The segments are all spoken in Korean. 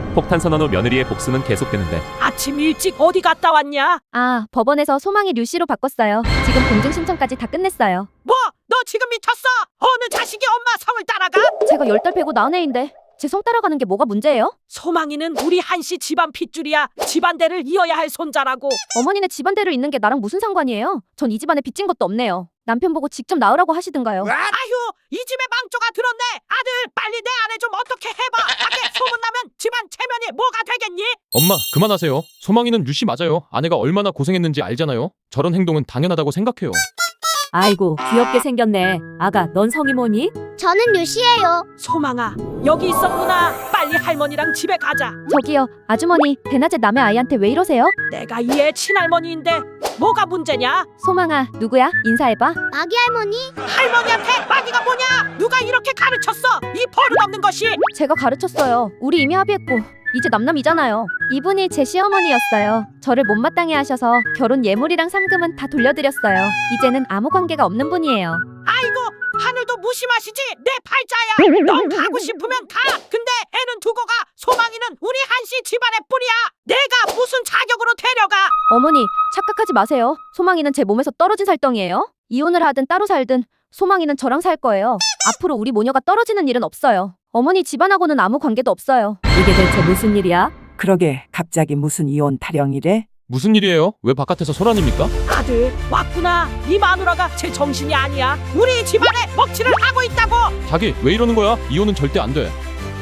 폭탄 선언 후 며느리의 복수는 계속되는데 아침 일찍 어디 갔다 왔냐? 아, 법원에서 소망이 류씨로 바꿨어요. 지금 공증 신청까지 다 끝냈어요. 뭐? 너 지금 미쳤어? 어느 자식이 엄마 성을 따라가? 제가 10달 배고 낳은 애인데 제 성 따라가는 게 뭐가 문제예요? 소망이는 우리 한씨 집안 핏줄이야. 집안대를 이어야 할 손자라고. 어머니네 집안대로 있는 게 나랑 무슨 상관이에요? 전 이 집안에 빚진 것도 없네요. 남편 보고 직접 나으라고 하시든가요. 아휴, 이 집에 망조가 들었네. 아들, 빨리 내 아내 좀 어떻게 해봐. 밖에 소문나면 집안 체면이 뭐가 되겠니? 엄마, 그만하세요. 소망이는 류씨 맞아요. 아내가 얼마나 고생했는지 알잖아요. 저런 행동은 당연하다고 생각해요. 아이고 귀엽게 생겼네. 아가 넌 성이 뭐니? 저는 류씨예요. 소망아, 여기 있었구나. 빨리 할머니랑 집에 가자. 저기요, 아주머니, 대낮에 남의 아이한테 왜 이러세요? 내가 이 애 친할머니인데 뭐가 문제냐? 소망아, 누구야? 인사해봐. 마기 할머니. 할머니한테 마귀가 뭐냐? 누가 이렇게 가르쳤어? 이 버릇없는 것이. 제가 가르쳤어요. 우리 이미 합의했고 이제 남남이잖아요. 이분이 제 시어머니였어요. 저를 못마땅해 하셔서 결혼 예물이랑 상금은 다 돌려드렸어요. 이제는 아무 관계가 없는 분이에요. 아이고, 하늘도 무심하시지. 내 팔자야. 넌 가고 싶으면 가. 근데 애는 두고 가. 소망이는 우리 한씨 집안의 뿌리야. 내가 무슨 자격으로 데려가? 어머니, 착각하지 마세요. 소망이는 제 몸에서 떨어진 살덩이에요. 이혼을 하든 따로 살든 소망이는 저랑 살 거예요. 앞으로 우리 모녀가 떨어지는 일은 없어요. 어머니 집안하고는 아무 관계도 없어요. 이게 대체 무슨 일이야? 그러게 갑자기 무슨 이혼 타령이래? 무슨 일이에요? 왜 바깥에서 소란입니까? 아들, 왔구나. 이 마누라가 제 정신이 아니야. 우리 집안에 먹칠을 하고 있다고. 자기, 왜 이러는 거야? 이혼은 절대 안 돼.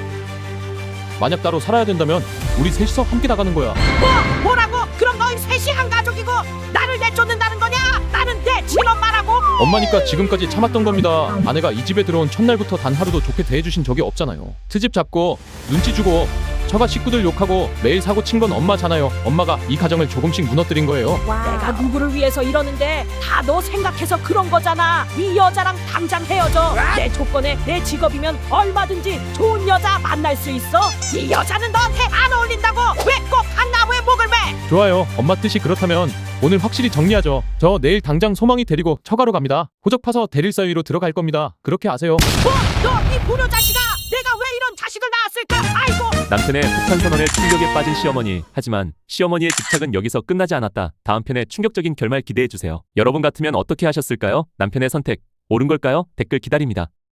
만약 따로 살아야 된다면 우리 셋이서 함께 나가는 거야. 뭐라고? 그럼 너희 셋이 한 가족이고 나를 내쫓는다는 거냐? 나는 내 친엄마라고. 엄마니까 지금까지 참았던 겁니다. 아내가 이 집에 들어온 첫날부터 단 하루도 좋게 대해주신 적이 없잖아요. 트집 잡고 눈치 주고 처가 식구들 욕하고 매일 사고 친 건 엄마잖아요. 엄마가 이 가정을 조금씩 무너뜨린 거예요. 내가 누구를 위해서 이러는데 다 너 생각해서 그런 거잖아. 이 여자랑 당장 헤어져. 내 조건에 내 직업이면 얼마든지 좋은 여자 만날 수 있어. 이 여자는 너한테 안 어울린다고. 왜 꼭 한 나무에 목을 매? 좋아요. 엄마 뜻이 그렇다면 오늘 확실히 정리하죠. 저 내일 당장 소망이 데리고 처가로 갑니다. 호적 파서 대릴 사위로 들어갈 겁니다. 그렇게 아세요. 너 이 불효 자식아. 내가 왜 이런 자식을 낳았을까? 아이고. 남편의 폭탄 선언에 충격에 빠진 시어머니. 하지만 시어머니의 집착은 여기서 끝나지 않았다. 다음 편의 충격적인 결말 기대해주세요. 여러분 같으면 어떻게 하셨을까요? 남편의 선택 옳은 걸까요? 댓글 기다립니다.